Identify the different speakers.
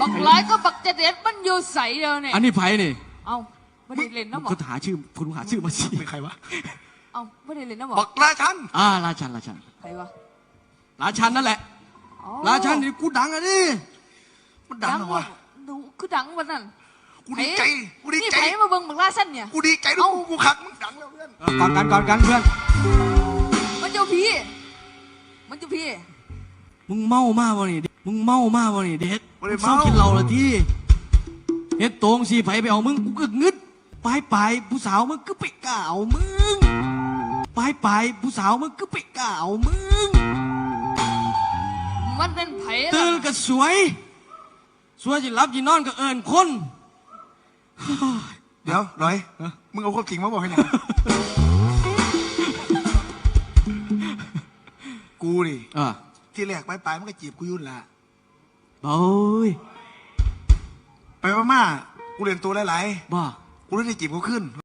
Speaker 1: บักหลายก็บักจะเด็ดมันอยู่ใสเดียวเนี่ย
Speaker 2: อันนี้ไผ่นี่
Speaker 1: เอาไม่ได้เล่นนะหมอ
Speaker 2: ก็หาชื่อคุณหาชื่อมาสิ
Speaker 3: เป็นใครวะ
Speaker 1: เอาไม่ได้เล่นนะหมอ
Speaker 3: บักราชัน
Speaker 2: ราชัน
Speaker 1: ใครวะ
Speaker 2: ราชันนั่นแหละ
Speaker 1: อ๋อ
Speaker 2: ราชันนี่กูดังอ่ะดิ
Speaker 3: มันดังเหรอวะ
Speaker 1: ดูคือดังวันนั้น
Speaker 3: กูดีใจกูดี
Speaker 1: นี่
Speaker 3: ใจ
Speaker 1: ไผ่มาเบิ่งบักลาสั้นเนี่ย
Speaker 3: กูดีใจด้วยกูขักมึงดังแล้วเพื่อน
Speaker 2: ก่อนกันเพื่อน
Speaker 1: มันเจ้าพี่มันเจ้าพี่
Speaker 2: มึงเมามากวะนี่เด็กมึงเมามากวะนี่เด็ก
Speaker 3: ไม่ได้
Speaker 2: เศร้า
Speaker 3: เมา
Speaker 2: กินเหล้าละที่เฮ็ดโตงสีไผ่ไปเอามึงกูก็งึดไปผู้สาวมึงก็ไปกล่าวมึงไปผู้สาวมึงก็ไปกล่าวมึง
Speaker 1: มันเป็นไผ่
Speaker 2: ตื่นก็สวยจะรับจีนอนก็เอิญคน
Speaker 3: เดี๋ยวร้อยมึงเอาความจริงมาบอกให้หน่อยกูดิ ที่แรกไปมันก็จีบกูยุ่นละ
Speaker 2: โอ้ย
Speaker 3: ไปมากูเรียนตัวหลาย
Speaker 2: บ้า
Speaker 3: ๆกูเลยได้จีบเขาขึ้น